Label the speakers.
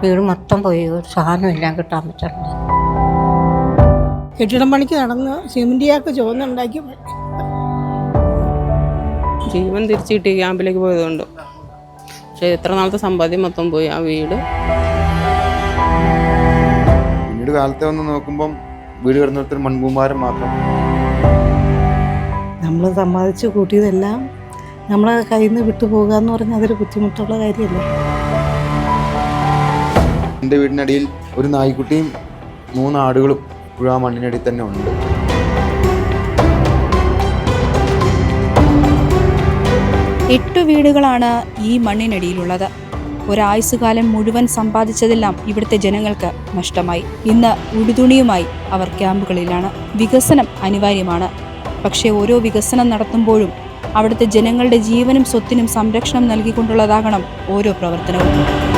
Speaker 1: വീട് മൊത്തം പോയി, ഒരു സാധനമെല്ലാം കിട്ടാൻ പറ്റുന്നുണ്ട്.
Speaker 2: കെട്ടിടം പണിക്ക് നടന്ന് സിമന്റിയാക്ക് ചുവന്നുണ്ടാക്കി
Speaker 3: ജീവൻ തിരിച്ചു കിട്ടി ക്യാമ്പിലേക്ക് പോയതുകൊണ്ട്. പക്ഷേ എത്ര നാളത്തെ സമ്പാദ്യം മൊത്തം പോയി. ആ വീട്
Speaker 4: പിന്നീട് കാലത്തെ വന്ന് നോക്കുമ്പം വീട് കിടന്നിടത്തൊരു മൺകൂമാരം മാത്രം.
Speaker 2: നമ്മൾ സമ്പാദിച്ച് കൂട്ടിയതെല്ലാം നമ്മളെ കയ്യിൽ നിന്ന് വിട്ടുപോകുക എന്ന് പറഞ്ഞാൽ അതൊരു ബുദ്ധിമുട്ടുള്ള കാര്യമല്ലേ.
Speaker 4: എൻ്റെ വീടിനടിയിൽ ഒരു നായ്ക്കുട്ടിയും 3 ആടുകളും ഇപ്പോഴും ആ മണ്ണിനടിയിൽ തന്നെ ഉണ്ട്.
Speaker 5: എട്ട് വീടുകളാണ് ഈ മണ്ണിനടിയിലുള്ളത്. ഒരായുസ്സുകാലം മുഴുവൻ സമ്പാദിച്ചതെല്ലാം ഇവിടുത്തെ ജനങ്ങൾക്ക് നഷ്ടമായി. ഇന്ന് ഉടുതുണിയുമായി അവർ ക്യാമ്പുകളിലാണ്. വികസനം അനിവാര്യമാണ്. പക്ഷേ ഓരോ വികസനം നടത്തുമ്പോഴും അവിടുത്തെ ജനങ്ങളുടെ ജീവനും സ്വത്തിനും സംരക്ഷണം നൽകിക്കൊണ്ടുള്ളതാകണം ഓരോ പ്രവർത്തനവും.